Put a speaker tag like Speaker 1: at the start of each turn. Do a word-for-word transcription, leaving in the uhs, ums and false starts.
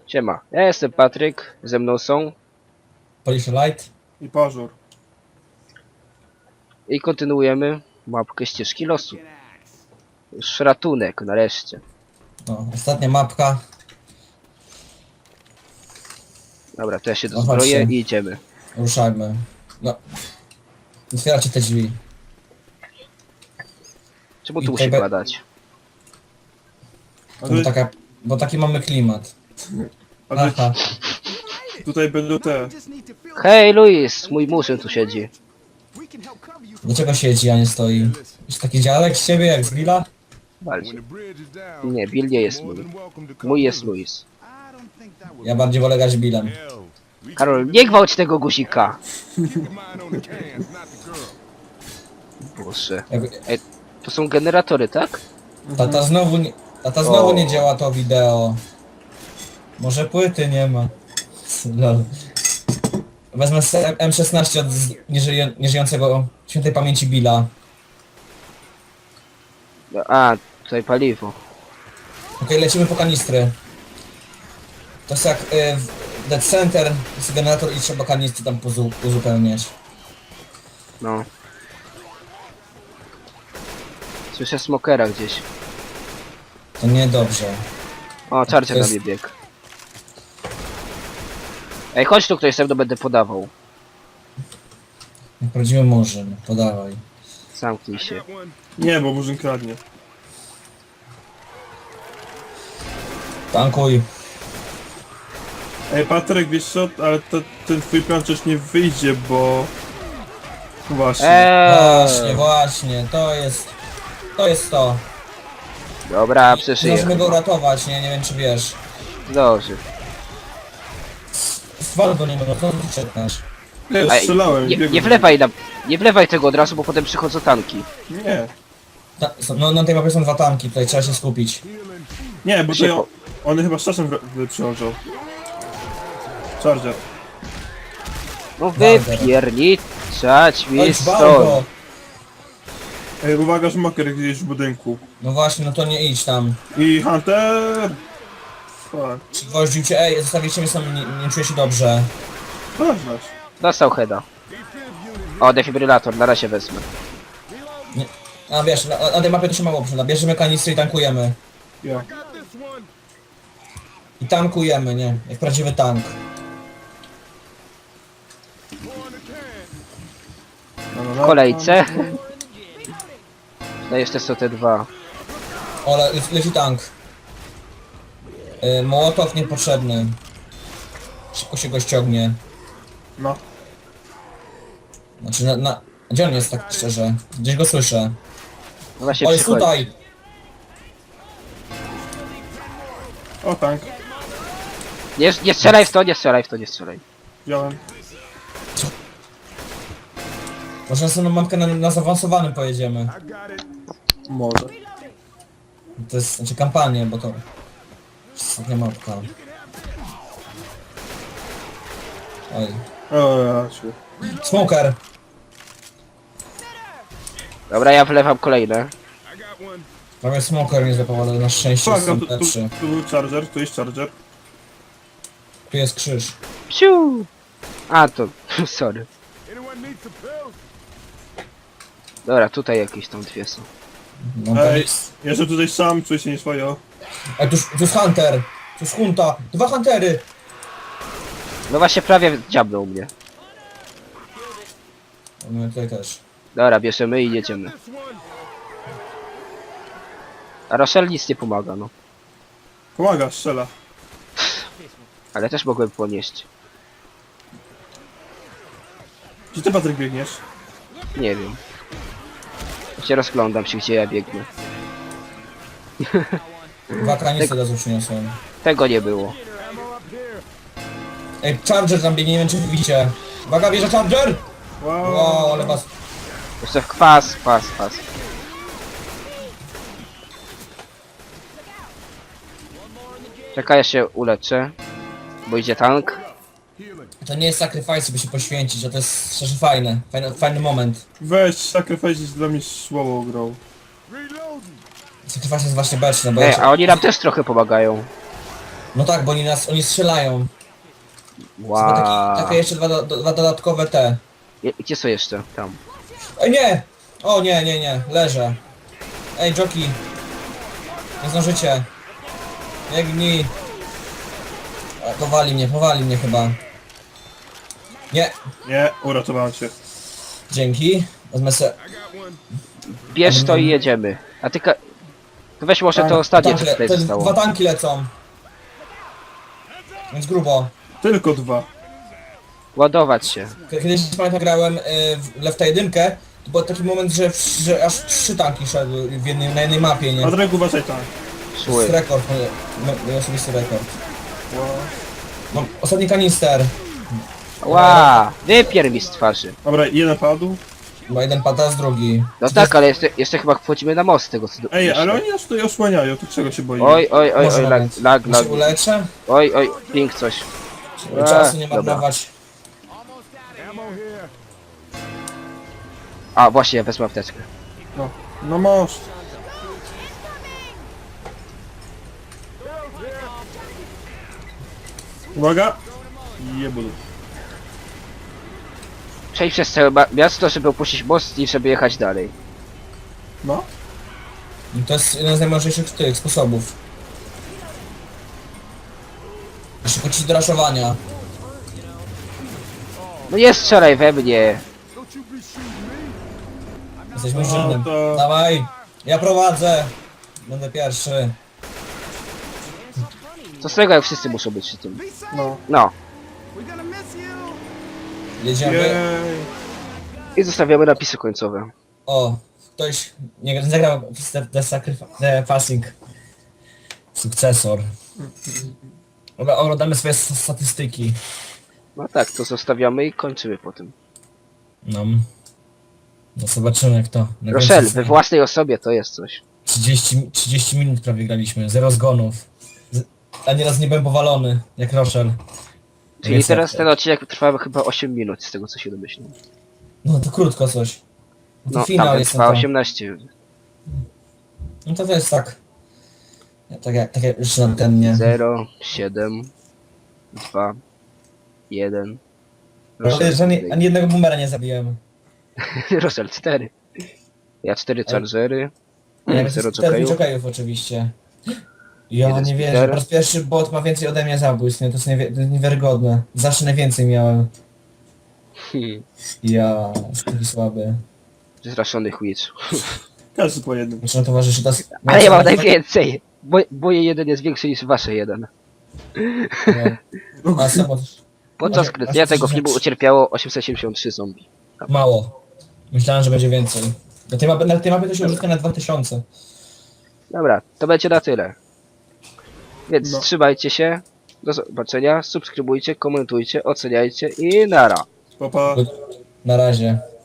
Speaker 1: Siema, ja jestem Patryk, ze mną są
Speaker 2: Polish Light.
Speaker 3: I pażur.
Speaker 1: i kontynuujemy mapkę ścieżki losu. Już ratunek, nareszcie.
Speaker 2: No, ostatnia mapka.
Speaker 1: Dobra, to ja się
Speaker 2: No
Speaker 1: dozbroję
Speaker 2: chodźcie.
Speaker 1: i idziemy.
Speaker 2: Ruszajmy. No. Otwieracie te drzwi.
Speaker 1: Czemu
Speaker 2: I
Speaker 1: tu musi
Speaker 2: tutaj be-
Speaker 1: padać?
Speaker 3: A
Speaker 2: Bo,
Speaker 3: tu,
Speaker 2: taka, bo taki mamy klimat.
Speaker 3: a tu,
Speaker 2: Aha.
Speaker 3: tutaj będą te.
Speaker 1: Hej Luis, mój murzyn tu siedzi.
Speaker 2: Dlaczego siedzi, a nie stoi? Jest taki dziadek z ciebie jak z Billa?
Speaker 1: Walcie. Nie, Bill nie jest mój. Mój jest Luis.
Speaker 2: Ja bardziej wolę grać Billem.
Speaker 1: Karol, nie gwałć tego guzika! Boże.
Speaker 2: Jakby-
Speaker 1: Ej, to są generatory, tak?
Speaker 2: Tata znowu nie, tata znowu nie działa to wideo. Może płyty nie ma. Lol. Wezmę z M szesnaście od z- nieżyje, nieżyjącego świętej pamięci Billa.
Speaker 1: A, tutaj paliwo.
Speaker 2: Okej, lecimy po kanistry. To jest jak y, w Dead Center, jest generator i trzeba kanistry tam pozu uzupełniać.
Speaker 1: No. Słyszę smokera gdzieś.
Speaker 2: To niedobrze.
Speaker 1: O, czarcie
Speaker 2: To
Speaker 1: na
Speaker 2: jest-
Speaker 1: mnie bieg. Ej, chodź tu ktoś, ze mną będę podawał.
Speaker 2: Jak prawdziwy murzyn, podawaj.
Speaker 1: Zamknij się.
Speaker 3: Nie, bo murzyn kradnie.
Speaker 2: Tankuj.
Speaker 3: Ej, Patryk, wiesz co? Ale to, ten twój plan przecież nie wyjdzie, bo... Właśnie.
Speaker 2: Właśnie,
Speaker 1: Eee,
Speaker 2: właśnie, to jest... To jest to.
Speaker 1: dobra, przeszyję.
Speaker 2: Możemy go uratować, nie? Nie wiem czy wiesz.
Speaker 1: Dobrze.
Speaker 2: Zwal go nie mogę, co ty czekasz?
Speaker 3: Nie,
Speaker 1: Ej,
Speaker 3: strzelałem.
Speaker 1: nie,
Speaker 3: biegłem.
Speaker 1: nie wlewaj na, nie wlewaj tego od razu, bo potem przychodzą tanki.
Speaker 3: Nie.
Speaker 2: Ta, są- no na tej mapie są dwa tanki, tutaj trzeba się skupić.
Speaker 3: Nie, bo
Speaker 1: Szybko.
Speaker 3: to one chyba z czasem wr- wy- przychodzą. Charger.
Speaker 1: No
Speaker 2: Walder.
Speaker 1: wypierniczać mi
Speaker 2: Oj, zwal
Speaker 1: stąd.
Speaker 2: go!
Speaker 3: Ej, uwaga, że maker gdzieś w budynku.
Speaker 2: No właśnie, no to nie idź tam.
Speaker 3: I Hunter! Fuck.
Speaker 2: Przygwoździł cię, ej, zostawiliście mnie sam, nie, nie czuję się dobrze.
Speaker 3: Znasz, znasz.
Speaker 1: Dostał heada. O, defibrylator, na razie wezmę.
Speaker 2: A wiesz, na, na tej mapie to się mało przyda. Bierzemy kanistry i tankujemy.
Speaker 3: Ja.
Speaker 2: I tankujemy, nie? Jak prawdziwy tank.
Speaker 3: No, no,
Speaker 1: W
Speaker 3: no.
Speaker 1: kolejce. No jeszcze są te dwa.
Speaker 2: O, le, leci tank. Yy, Mołotow niepotrzebny. Szybko się go ściągnie.
Speaker 3: No.
Speaker 2: Znaczy na, na... Gdzie on jest tak szczerze? Gdzieś go słyszę.
Speaker 1: No właśnie
Speaker 2: O, jest
Speaker 1: przychodzi.
Speaker 2: tutaj!
Speaker 3: O, tank.
Speaker 1: Nie, nie strzelaj w to, nie strzelaj w to, nie strzelaj.
Speaker 3: Wziąłem.
Speaker 2: Może następną mapkę na, na zaawansowanym pojedziemy.
Speaker 3: Może.
Speaker 2: To jest, znaczy kampanię, bo to... Ostatnia mapka. Oj.
Speaker 3: O, ja się.
Speaker 2: Smoker!
Speaker 1: Dobra, ja wlewam kolejne.
Speaker 2: Prawie smoker nie złapał, ale na szczęście
Speaker 3: Uwaga,
Speaker 2: są
Speaker 3: tu, tu,
Speaker 2: lepszy.
Speaker 3: tu był charger, tu jest charger.
Speaker 2: Tu jest krzyż.
Speaker 1: Psiu! A, to... sorry. Dobra, tutaj jakieś tam dwie są.
Speaker 2: No, to
Speaker 3: Ej,
Speaker 2: jest...
Speaker 3: ja jestem tutaj sam, czuję się nieswojo.
Speaker 2: Ej, tu, jest- tu jest Hunter! Tu jest Hunta! Dwa Huntery!
Speaker 1: No właśnie prawie dziabnął mnie.
Speaker 2: No tutaj też.
Speaker 1: Dobra, bierzemy i jedziemy. A Rochelle nic nie pomaga, no.
Speaker 3: Pomaga, strzela.
Speaker 1: Ale też mogłem ponieść.
Speaker 3: Gdzie ty, Patryk, biegniesz?
Speaker 1: Nie wiem. Się rozglądam się, gdzie ja biegnę.
Speaker 2: Dwa kanistry od razu przyniosłem.
Speaker 1: Tego nie było.
Speaker 2: Ej, Charger tam biegnie, nie wiem czy widzicie. Uwaga, bierze Charger!
Speaker 3: Wow.
Speaker 2: Wow, ale was...
Speaker 1: Jeszcze w kwas, kwas, kwas. Czekaj, ja się uleczę. Bo idzie tank.
Speaker 2: To nie jest sacrifice, by się poświęcić, a to jest szczerze fajne. Fajny, fajny moment.
Speaker 3: Weź, Sacrifice jest dla mnie słabą grą.
Speaker 2: Sacrifice jest właśnie beczne, bo
Speaker 1: Ej,
Speaker 2: ja się...
Speaker 1: a oni nam też trochę pomagają.
Speaker 2: No tak, bo oni nas, oni strzelają. Wow.
Speaker 1: Wow.
Speaker 2: Taki, takie jeszcze dwa, do, dwa dodatkowe te.
Speaker 1: Je- Gdzie są jeszcze? Tam.
Speaker 2: Ej, nie! O nie, nie, nie, leżę. Ej, jockey. Nie zdążycie. Biegnij. A, powali mnie, powali mnie chyba. Nie,
Speaker 3: Nie, uratowałem cię.
Speaker 2: dzięki. Wezmę se...
Speaker 1: Bierz to i jedziemy. A ty ka... To weź może to
Speaker 2: Tank-
Speaker 1: ostatnie, co
Speaker 2: tanki le-
Speaker 1: tutaj
Speaker 2: te
Speaker 1: zostało.
Speaker 2: Dwa tanki lecą. Więc grubo.
Speaker 3: Tylko dwa.
Speaker 1: Ładować się.
Speaker 2: K- Kiedyś pamiętam grałem y, w Lefta jeden, to był taki moment, że, że aż trzy tanki szedły w jednej, na jednej mapie, nie?
Speaker 3: Patryk, uważaj tam.
Speaker 2: To jest
Speaker 1: Szły.
Speaker 2: rekord, mój, mój osobisty rekord.
Speaker 3: Wow.
Speaker 2: Mam ostatni kanister.
Speaker 1: Ła! Wypier mi z twarzy.
Speaker 3: Dobra, jeden padł.
Speaker 2: Bo jeden pada z drugi.
Speaker 1: No tak, ale jeszcze, jeszcze chyba wchodzimy na most z tego co
Speaker 3: Ej,
Speaker 1: myślę.
Speaker 3: ale oni nas tutaj osłaniają, to czego się boimy?
Speaker 1: Oj, oj, oj,
Speaker 2: Może
Speaker 1: oj, lag,
Speaker 2: nawet.
Speaker 1: lag,
Speaker 2: Ja
Speaker 1: lag.
Speaker 2: się uleczę,
Speaker 1: Oj, oj, ping coś.
Speaker 2: żeby
Speaker 1: Eee,
Speaker 2: czasu nie
Speaker 1: dobra.
Speaker 2: marnować.
Speaker 1: A, właśnie, ja wezmę apteczkę.
Speaker 3: No, no most. Uwaga! Jebulu.
Speaker 1: Przejdź przez całe ma- miasto, żeby opuścić most i żeby jechać dalej.
Speaker 3: No.
Speaker 2: I to jest jeden z najmądrzejszych tych sposobów. Szybko ci do raszowania.
Speaker 1: No nie strzelaj we mnie.
Speaker 2: Jesteśmy
Speaker 3: No
Speaker 2: żydem.
Speaker 3: to-
Speaker 2: Dawaj, ja prowadzę. Będę pierwszy.
Speaker 1: Co z tego, jak wszyscy muszą być przy tym.
Speaker 3: No.
Speaker 1: No.
Speaker 2: Jedziemy.
Speaker 3: Jej.
Speaker 1: I zostawiamy napisy końcowe.
Speaker 2: O, ktoś nie zagrał w The, the, Sacrif- the Passing. Sukcesor. Dobra, oglądamy swoje s- statystyki.
Speaker 1: No tak, to zostawiamy i kończymy po tym.
Speaker 2: No. No zobaczymy jak to. Na
Speaker 1: Rochelle,
Speaker 2: końcu
Speaker 1: we własnej osobie to jest coś.
Speaker 2: trzydzieści, trzydzieści minut prawie graliśmy, zero zgonów. Z, a nieraz nie byłem powalony, jak Rochelle.
Speaker 1: Czyli
Speaker 2: Jest
Speaker 1: teraz
Speaker 2: jak-
Speaker 1: ten odcinek trwa chyba osiem minut, z tego co się domyślam.
Speaker 2: No to krótko coś. No to
Speaker 1: No,
Speaker 2: finał
Speaker 1: tamten
Speaker 2: jest
Speaker 1: trwa
Speaker 2: no to.
Speaker 1: osiemnaście.
Speaker 2: No to to jest tak. Ja, tak jak, tak jak już na ten nie.
Speaker 1: zero, siedem, dwa, jeden.
Speaker 2: Ale żadnej, ani jednego boomera nie zabiłem.
Speaker 1: Rochelle cztery. Ja cztery chargery.
Speaker 2: Ja
Speaker 1: zero
Speaker 2: cztery
Speaker 1: jokejów.
Speaker 2: jokejów oczywiście. Ja
Speaker 1: Jeden
Speaker 2: nie wierzę,
Speaker 1: speeder.
Speaker 2: po raz pierwszy bot ma więcej ode mnie zabójstw, nie? To jest, niewie- to jest niewiarygodne. Zawsze najwięcej miałem.
Speaker 1: Hmm.
Speaker 2: Ja, taki słaby.
Speaker 1: Zraszony Witch.
Speaker 3: Każdy po jednym.
Speaker 2: Znaczy, no towarzyszy, to jest...
Speaker 1: Ale ja mam najwięcej! Bo, moje jeden jest większy niż wasze jeden.
Speaker 2: No, a samo,
Speaker 1: Podczas
Speaker 2: Może-
Speaker 1: kręcenia
Speaker 2: może
Speaker 1: tego
Speaker 2: coś
Speaker 1: filmu
Speaker 2: rzecz-
Speaker 1: ucierpiało osiemset siedemdziesiąt trzy zombie.
Speaker 2: mało. Myślałem, że będzie więcej. Na tej mapie, na tej mapie to się użytka na dwa tysiące.
Speaker 1: Dobra, to będzie na tyle. Więc
Speaker 3: No.
Speaker 1: trzymajcie się. Do zobaczenia. Subskrybujcie, komentujcie, oceniajcie i nara.
Speaker 3: Papa.
Speaker 2: Na razie.